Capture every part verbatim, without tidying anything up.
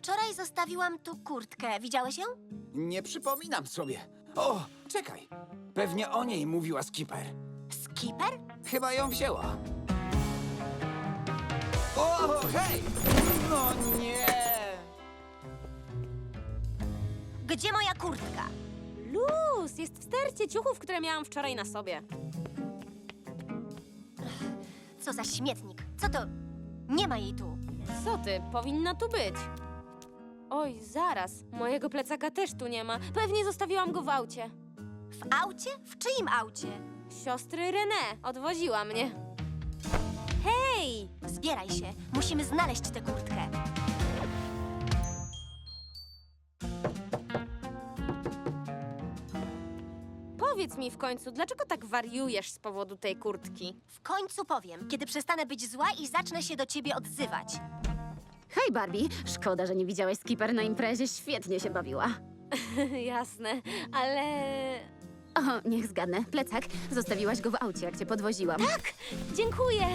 Wczoraj zostawiłam tu kurtkę. Widziałeś ją? Nie przypominam sobie. O, czekaj. Pewnie o niej mówiła Skipper. Skipper? Chyba ją wzięła. O, hej! No nie! Gdzie moja kurtka? Luz, jest w stercie ciuchów, które miałam wczoraj na sobie. Co za śmietnik. Co to? Nie ma jej tu. Co ty, powinna tu być. Oj, zaraz, mojego plecaka też tu nie ma. Pewnie zostawiłam go w aucie. W aucie? W czyim aucie? Siostry René odwoziła mnie. Hej! Zbieraj się. Musimy znaleźć tę kurtkę. Powiedz mi w końcu, dlaczego tak wariujesz z powodu tej kurtki? W końcu powiem, kiedy przestanę być zła i zacznę się do ciebie odzywać. Hej, Barbie. Szkoda, że nie widziałeś Skipper na imprezie. Świetnie się bawiła. Jasne, ale... O, niech zgadnę. Plecak. Zostawiłaś go w aucie, jak cię podwoziłam. Tak! Dziękuję!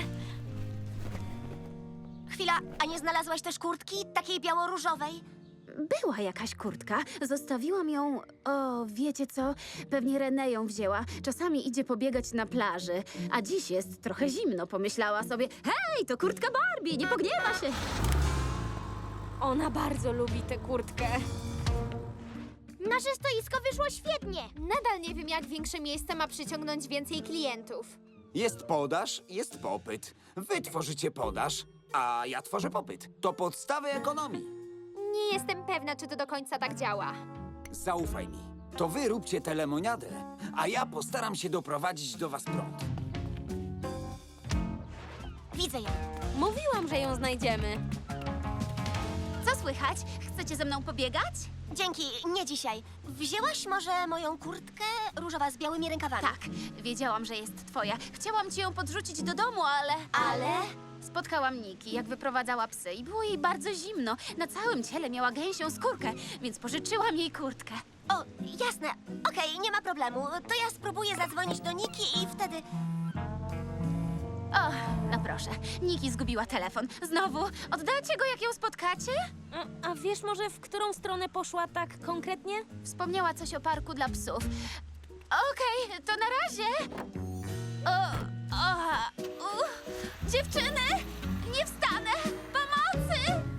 Chwila, a nie znalazłaś też kurtki? Takiej biało-różowej? Była jakaś kurtka. Zostawiłam ją... O, wiecie co? Pewnie René ją wzięła. Czasami idzie pobiegać na plaży. A dziś jest trochę zimno. Pomyślała sobie, hej, to kurtka Barbie, nie pogniewa się. Ona bardzo lubi tę kurtkę. Nasze stoisko wyszło świetnie. Nadal nie wiem, jak większe miejsce ma przyciągnąć więcej klientów. Jest podaż, jest popyt. Wy tworzycie podaż, a ja tworzę popyt. To podstawy ekonomii. Nie jestem pewna, czy to do końca tak działa. Zaufaj mi. To wy róbcie tę lemoniadę, a ja postaram się doprowadzić do was prąd. Widzę ją. Mówiłam, że ją znajdziemy. Co słychać? Chcecie ze mną pobiegać? Dzięki, nie dzisiaj. Wzięłaś może moją kurtkę różowa z białymi rękawami? Tak, wiedziałam, że jest twoja. Chciałam ci ją podrzucić do domu, ale... Ale? Spotkałam Niki, jak wyprowadzała psy i było jej bardzo zimno. Na całym ciele miała gęsią skórkę, więc pożyczyłam jej kurtkę. O, jasne. Okej, nie ma problemu. To ja spróbuję zadzwonić do Niki i wtedy... O, no proszę. Niki zgubiła telefon. Znowu? Oddacie go, jak ją spotkacie? A, a wiesz może, w którą stronę poszła tak konkretnie? Wspomniała coś o parku dla psów. Okej, to na razie. O, o, u, dziewczyny! Nie wstanę! Pomocy!